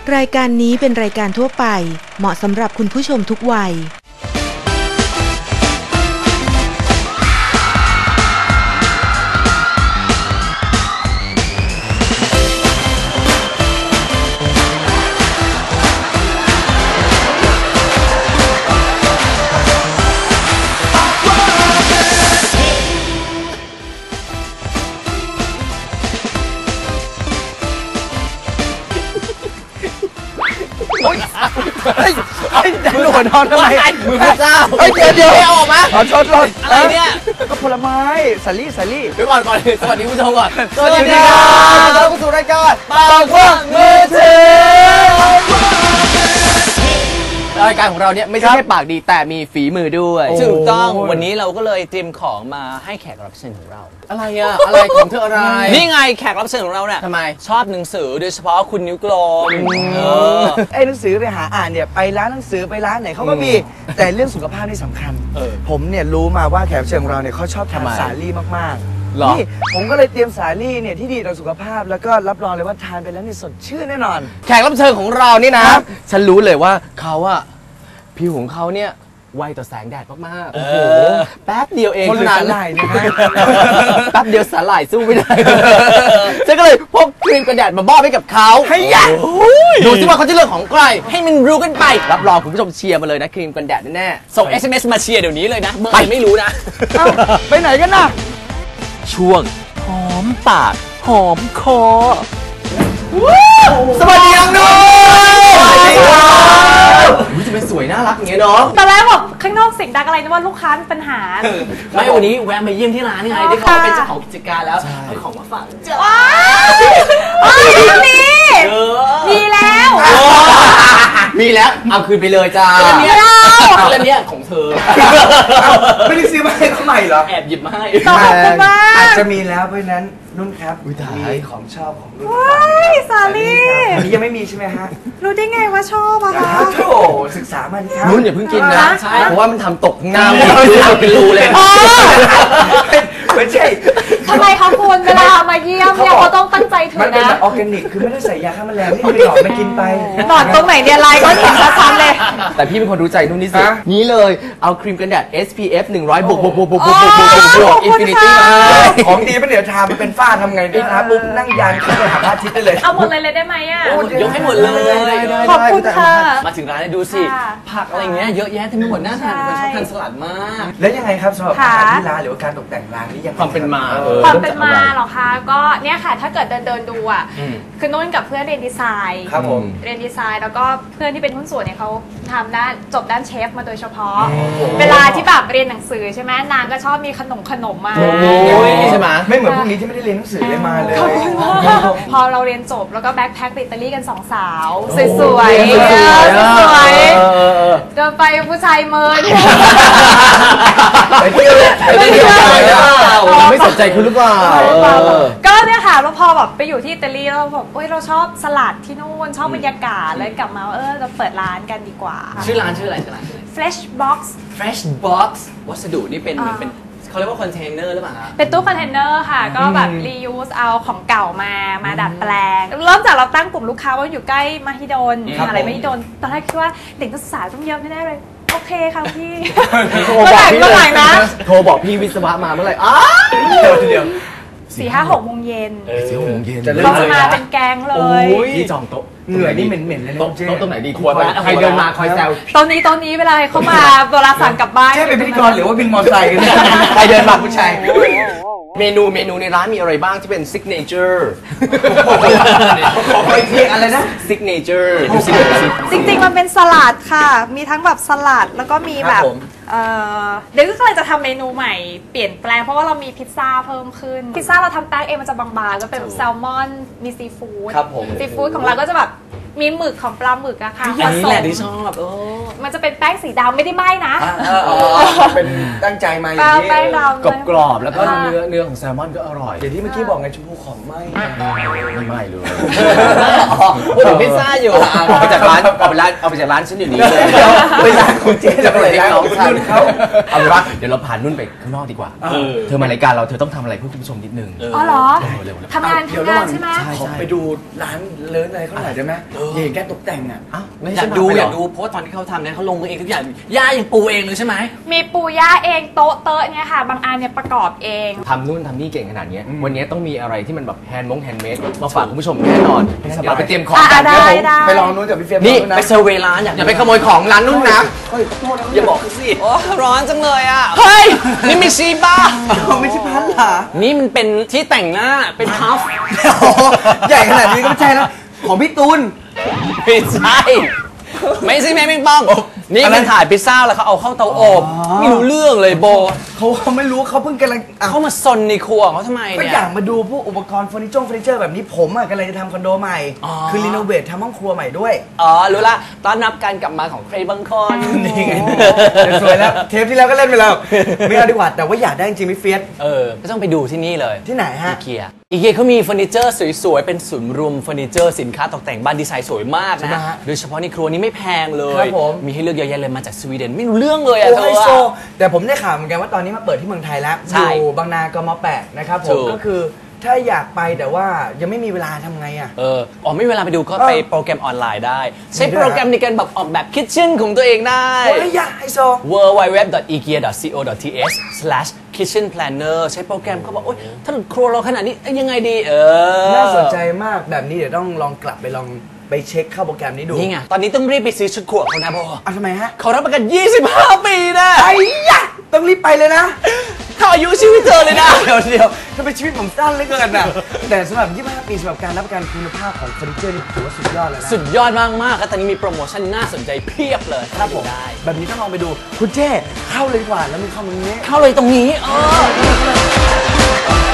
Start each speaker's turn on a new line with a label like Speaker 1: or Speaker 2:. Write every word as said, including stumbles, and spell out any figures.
Speaker 1: รายการนี้เป็นรายการทั่วไปเหมาะสำหรับคุณผู้ชมทุกวัย
Speaker 2: เฮ้ยมือหัวนอนทำไมมือพระเจ้าเฮ้ยเดี๋ยวเดี๋ยวเอาออกมาขอชดรถอะไรเนี่ยก็ผลไม้สาลี่สาลี่เดี๋ยวก่อนก่อนสวัสดีผู้ชมก่อนสวัสดีครับต้อนรับเข้าสู่รายการปากว่างมือถือรายการของเราเนี่ยไม่ใช่แค่ปากดีแต่มีฝีมือด้วยถูกต้องวันนี้เราก็เลยเตรียมของมาให้แขกรับเชิญของเราอะไรอะอะไรของเธออะไรนี่ไงแขกรับเชิญของเราเนี่ยทำไมชอบหนังสือโดยเฉพาะคุณนิ้วกลมไอ้หนังสือไปหาอ่านเนี่ยไปร้านหนังสือไปร้านไหนเขาก็มีแต่เรื่องสุขภาพนี่สำคัญผมเนี่ยรู้มาว่าแขกรับเชิญของเราเนี่ยเขาชอบทานสาลี่มากๆนี่ผมก็เลยเตรียมสาลี่เนี่ยที่ดีต่อสุขภาพแล้วก็รับรองเลยว่าทานไปแล้วนี่สดชื่นแน่นอนแขกรับเชิญของเรานี่นะฉันรู้เลยว่าเขาอะผิวของเขาเนี่ยไวต่อแสงแดดมากๆโอ้โหแป๊บเดียวเองเท่านั้นนะฮะแป๊บเดียวสาหร่ายสู้ไม่ได้ฉันก็เลยพกครีมกันแดดมามอบให้กับเขาให้ยะดูสิว่าเขาจะเลือกของใครให้มันรู้กันไปรับรองคุณผู้ชมเชียร์มาเลยนะครีมกันแดดแน่ๆส่ง เอส เอ็ม เอส มาเชียร์เดี๋ยวนี้เลยนะไปไม่รู้นะไปไหนกันนะช่วงหอมปากหอมคอสวัสดีน้องนุ้ยจะเป็นสวยน่ารักอย่างเงี้ยเนาะ
Speaker 3: ตอนแรกแบบข้างนอกเสียงดังอะไรนะว่าลูกค้ามีปัญหา
Speaker 2: ไม่วันนี้แวะมาเยี่ยมที่ร้านไงได้ข่าวเป็นเจ้าของกิจการแล้วเอาของมาฝากเจ้า
Speaker 3: ว้าวมีมีแล้ว
Speaker 2: มีแล้วเอาคืนไปเลยจ้าเรื่องนี้ของเธอไม่ได้ซื้อมาให้เขาใหม่เหรอแอบหยิบมาให้
Speaker 3: ขอบคุณมาก
Speaker 4: อาจจะมีแล้วเพราะนั้นนุ่นครับมีของชอบของนุ่น
Speaker 3: สาลี่
Speaker 4: อันนี้ยังไม่มีใช่ไหมฮะ
Speaker 3: รู้ได้ไงว่าชอบอะคะ
Speaker 4: โธ่ศึกษามาดิครับ
Speaker 2: นุ่นอย่าเพิ่งกินนะเพราะว่ามันทำตกข้างหน้าเป็นรูเลย
Speaker 4: ไม่ใช่
Speaker 3: ทำไมคะคุณเวลามาเยี่ยมเนี่ยเขาต้องตั้งใจถือนะ
Speaker 4: มันเป็นแบบออร์แกนิกคือไม่ได้ใส่ยาฆ่าแมลงนี่ไปหลอกไม่กินไป
Speaker 3: หลอดตรงไหนเนี่ยลายก็เห็นชัดๆเลย
Speaker 2: แต่พี่เป็นคนรู้ใจนุ่นที่สุดนี้เลยเอาครีมกันแดด เอส พี เอฟ หนึ่งร้อยบวกบวกบวกบวกบวกบวกบวกบวกอินฟินิตี้มา
Speaker 4: ของดีเป็นเดี๋ยวทำเป็นฝ้าทำไงดีนะปุ๊บนั่งยานขึ้นไปหาพระอาทิตย์ได้เลย
Speaker 3: เอาหมดเลยเลยได้ไหมอ่ะ
Speaker 2: ยกให้หมดเลย
Speaker 3: ขอบคุณค่ะ
Speaker 2: มาถึงร้านดูสิผักอะไรเงี้ยเยอะแยะเต็มไปหมดน่าทานเป็นชอบทานสลัดมาก
Speaker 4: แล้วยังไงครับสำหรับอาหารที่ร้านหรือว่าการตกแต่งร้านนี่ยัง
Speaker 2: ความเป็นมา
Speaker 3: ความเป็นมาหรอคะก็เนี่ยค่ะถ้าเกิดเดินเดินดูอ่ะคือนุ่นกับเพื่อนเรียนดีไซน์
Speaker 4: ครับผม
Speaker 3: เรียนดีไซน์แล้วก็เพื่อนที่เป็นหุ้นส่วนเนี่ยเขาทำด้านจบด้านเชฟมาโดยเฉพาะเวลาที่แบบเรียนหนังสือใช่ไหมนางก็ชอบมีขนมขนมมา
Speaker 4: ใช่ไหมไม่เหมือนพวกนี้ที่ไม่ได้เรียนหนังสือเลยมาเลย
Speaker 3: พอเราเรียนจบแล้วก็แบ็คแพ็คไปอิตาลีกันสองสาวสวยๆสวยๆเดินไปผู้ชายเมิน
Speaker 2: ไปเที่ยวไปเที่ยวเราไม่สนใจคุณหรือเปล่า
Speaker 3: ก็เนี่ยค่ะแล้วพอแบบไปอยู่ที่อิตาลีแล้วแบบเอ้ยเราชอบสลัดที่นู่นชอบบรรยากาศเลยกลับมาเออเราเปิดร้านกันดีกว่า
Speaker 2: ชื่อร้านชื่ออะไรชื่อร้าน
Speaker 3: Fresh Box
Speaker 2: Fresh Box วัสดุนี่เป็นเหมือนเป็นเขาเรียกว่าคอนเทนเนอร์หรือเปล่า
Speaker 3: เป็นตู้คอนเทนเนอร์ค่ะก็แบบ reuse เอาของเก่ามามาดัดแปลงเริ่มจากเราตั้งกลุ่มลูกค้าว่าอยู่ใกล้มหิดลอะไรมหิดลตอนแรกคิดว่าเด็กนักศึกษาต้องเยอะไม่ได้เลยโอเคค่ะพี่
Speaker 2: โทรบอกพี่เลยนะโทรบอกพี่วิศวะมาเมื่อไหร่อ้าวเดี๋ยวเดี๋ยว
Speaker 3: สี่ห้าหกโมงเย็น
Speaker 2: สี่หกโมงเย็น
Speaker 3: เขาจะมาเป็นแกงเลย
Speaker 2: พี่จองโต๊ะ
Speaker 4: เหงื่อนี่เหม็นๆเลย
Speaker 2: โต๊ะตรงไหนดีควรใครเดินมาคอยแซว
Speaker 3: ตอนนี้ตอนนี้เวลาเข้ามาเวลาสั่งกลับบ้าน
Speaker 4: แค่เป็นพิธีกรหรือว่าบินมอเตอร์ไซค์
Speaker 2: ใครเดินมาผู้ชายเมนูเมนูในร้านมีอะไรบ้างที่เป็นซิกเนเจอร์
Speaker 4: ขอไปเรียกอะไรนะ
Speaker 2: ซิกเนเจอร์
Speaker 3: จริงๆมันเป็นสลัดค่ะมีทั้งแบบสลัดแล้วก็มีแบบเดี๋ยวก็เลยจะทำเมนูใหม่เปลี่ยนแปลงเพราะว่าเรามีพิซซ่าเพิ่มขึ้นพิซซ่าเราทำแป้งเองมันจะบางๆก็เป็นแซลมอนมีซีฟู้ดซีฟู้ดของเราก็จะแบบมีหมึกของปลาหมึกอะค่ะ
Speaker 2: อันนี้แหละที่ชอบ
Speaker 3: มันจะเป็นแป้งสีดำไม่ได้ไหม้นะ
Speaker 4: เป็นตั้งใจมาอย่างนี้
Speaker 3: แป้งดำ
Speaker 2: กรอบๆแล้วก็เนื้อเนื้อของแซลมอนก็อร่อย
Speaker 4: อย่างที่เมื่อกี้บอกไงชมพูของไหม้
Speaker 2: ไม่ไหม้เลยพูดถึงพิซซ่าอยู่เอาไปจากร้านเอาไปร้านเอาไปจากร้านฉันอยู่นี้เลย
Speaker 4: ไปร้านคุณเจ๊จะไปร้านของฉันเขา
Speaker 2: เอาเป็นว่าเดี๋ยวเราผ่านนุ่นไปข้างนอกดีกว่าเธอมารายการเราเธอต้องทำอะไรเพื่อคุณผู้ชมนิดนึง
Speaker 3: อ๋อเหรอทำงานทำงานใช่ไหม
Speaker 4: ขอไปดูร้านเลิศอะไรเขาหน่อยได้ไหม
Speaker 2: เออ
Speaker 4: อย่าเห็นแค่ตกแต่งอ่ะ
Speaker 2: อยากดูอยากดูเพราะว่าตอนที่เขาทำเนี่ยเขาลงมือเองทุกอย่างย่ายังปูเองเลยใช่ไหม
Speaker 3: มีปูย่าเองโต๊ะเตอะเนี่ยค่ะบางอันเนี่ยประกอบเอง
Speaker 5: ทำนู่นทำนี่เก่งขนาดนี้วันนี้ต้องมีอะไรที่มันแบบแฮนด์มงแฮนด์เมดมาฝากคุณผู้ชมแน่นอนเดี๋ยวเราไปเตรียมของกัน
Speaker 3: ได้ได้
Speaker 4: ไปลองนู้นกับพี่เฟียส
Speaker 2: นี่ไปเซอร์เวย์ร้านอย่าไปขโมยของร้านนู้นนะอย่าบอกสิโอ้ร้อนจังเลยอ่ะเฮ้ยนี่ไม่ซีบ้า
Speaker 4: ไม่ใช่พันหรอ
Speaker 2: นี่มันเป็นที่แต่งหน้าเป็นพัฟ
Speaker 4: ใหญ่ขนาดนี้ก็ไม่ใช่แล้วของพี่ตูน
Speaker 2: ไม่ใช่ไม่ใช่แม่ปิงปองนี่มันถ่ายพิซซ่าแล้วเขาเอาเข้าเตาอบไม่รู้เรื่องเลยโบ
Speaker 4: เขาเขาไม่รู้เขาเพิ่งกำลัง
Speaker 2: เข้ามาซนในครัวเขาทำไมเนี่ย
Speaker 4: ก็อยากมาดูพวกอุปกรณ์เฟอร์นิเจอร์เฟอร์นิเจอร์แบบนี้ผมอ่ะกำลังจะทำคอนโดใหม่คือรีโนเวททำห้องครัวใหม่ด้วย
Speaker 2: อ๋อรู้ละต้อนรับการกลับมาของใครบางคน
Speaker 4: นี่ไงสวยแล้วเทปที่แล้วก็เล่นไปแล้วไม่เอาดีกว่าแต่ว่าอยากได้จริงๆพี่เฟียส
Speaker 2: เออก็ต้องไปดูที่นี่เลย
Speaker 4: ที่ไหนฮะ
Speaker 2: อีเกียอีเกียเขามีเฟอร์นิเจอร์สวยๆเป็นศูนย์รวมเฟอร์นิเจอร์สินค้าตกแต่งบ้านดีไซน์สวยมากนะโดยเฉพาะในครัวนี้ไม่แพงเลยมีให้เลือกเยอะแยะเลยมาจากสวีเดนไม่รู้เรื่องเลยอะเธอ
Speaker 4: แต่ผมได้ข่าวเหมือนกันว่าตอนนี้มาเปิดที่เมืองไทยแล้วอยู่บางนากมแปดนะครับผมก็คือถ้าอยากไปแต่ว่ายังไม่มีเวลาทำไงอ่ะ
Speaker 2: เอออ๋อไม่มีเวลาไปดูก็ไปโปรแกรมออนไลน์ได้ใช้โปรแกรมในการแบบออกแบบคิทเช่นของตัวเองได้
Speaker 4: โอ้ยอยากไฮโซ
Speaker 2: ดับเบิลยู ดับเบิลยู ดับเบิลยู ดอท อีเกีย ดอท ซี โอ ดอท ที เอช สแลช คิทเช่น แพลนเนอร์ ใช้โปรแกรมเขาบอกโอ๊ยถ้าครัวเราขนาดนี้ยังไงดีเออ
Speaker 4: น่าสนใจมากแบบนี้เดี๋ยวต้องลองกลับไปลองไปเช็คเข้าโปรแกรมนี้ดู
Speaker 2: นี่ไงตอนนี้ต้องรีบไปซื้อชุดครัวเขานะโบ
Speaker 4: อ่ะทำไมฮะ
Speaker 2: เขารับประกันยี่สิบห้าปีนะ
Speaker 4: ไอ้ยะต้องรีบไปเลยนะ
Speaker 2: เขาอายุชีวิตเธอเลยนะ
Speaker 4: เดี๋ยวเดี๋ยวถ้าเป็นชีวิตผมสั้นเหลือเกินนะแต่สำหรับยี่สิบห้าปีสำหรับการรับประกันคุณภาพของเฟอร์นิเจอร์นี่ถือว่าสุดยอดเลยนะ
Speaker 2: สุดยอดมากมากแล้วตอนนี้มีโปรโมชั่นน่าสนใจเพียบเลย
Speaker 4: ครับผมได้แบบนี้ต้องลองไปดูคุณเจ้เข้าเลยดีกว่าแล้วมีเข้าตรงนี้
Speaker 2: เข้าเลยตรงนี้เออ